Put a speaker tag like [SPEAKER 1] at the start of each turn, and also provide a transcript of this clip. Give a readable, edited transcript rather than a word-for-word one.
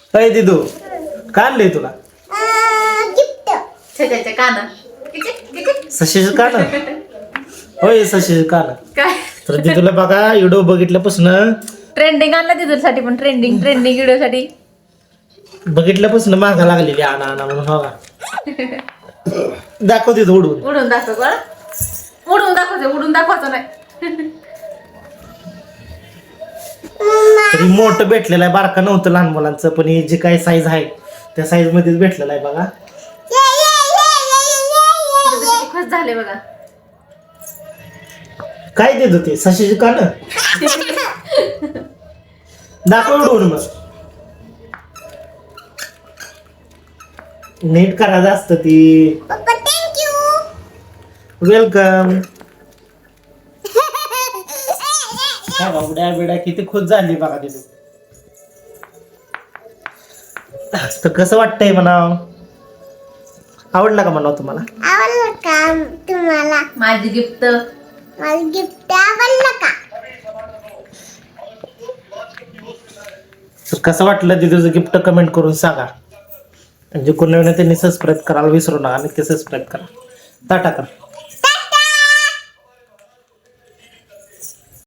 [SPEAKER 1] अय दिदू काय आणलंय तुला?
[SPEAKER 2] छेच्याचे कान.
[SPEAKER 1] सशीचं कान. होय सशीचं कान.
[SPEAKER 2] काय
[SPEAKER 1] तर दिदूला बघा व्हिडिओ बघितल्यापासून
[SPEAKER 2] ट्रेंडिंग आणला तिथूसाठी पण ट्रेंडिंग व्हिडिओ साठी
[SPEAKER 1] बघितल्यापासून मागा लागलेली आणा आणा म्हणून बघा. दाखव दिदू उडून.
[SPEAKER 2] उडून दाखव का? उडून दाखवायचं नाही.
[SPEAKER 1] तरी मोठं भेटलेलं आहे, बारका नव्हतं लहान मुलांचं, पण हे जे काही साईज आहे त्या साईज मध्येच भेटलेलं आहे बघा.
[SPEAKER 2] खुश झाले बघा.
[SPEAKER 1] काय देत होते सशीचे कान. दाखव उडून मग. नीट करायचं असतं ती. वेलकम. उड्या बिड्या किती खुश झाली बघा तिथे. तर कसं वाटतंय म्हणाव? आवडलं का म्हणाव तुम्हाला?
[SPEAKER 3] आवडलं का तुम्हाला?
[SPEAKER 2] माझी गिफ्ट
[SPEAKER 3] आवडलं का?
[SPEAKER 1] तर कसं वाटलं दिदूचं गिफ्ट कमेंट करून सांगा. म्हणजे कोणी त्यांनी सबस्क्राईब करायला विसरू नका. नक्की सबस्क्राईब करा. टाटा करा.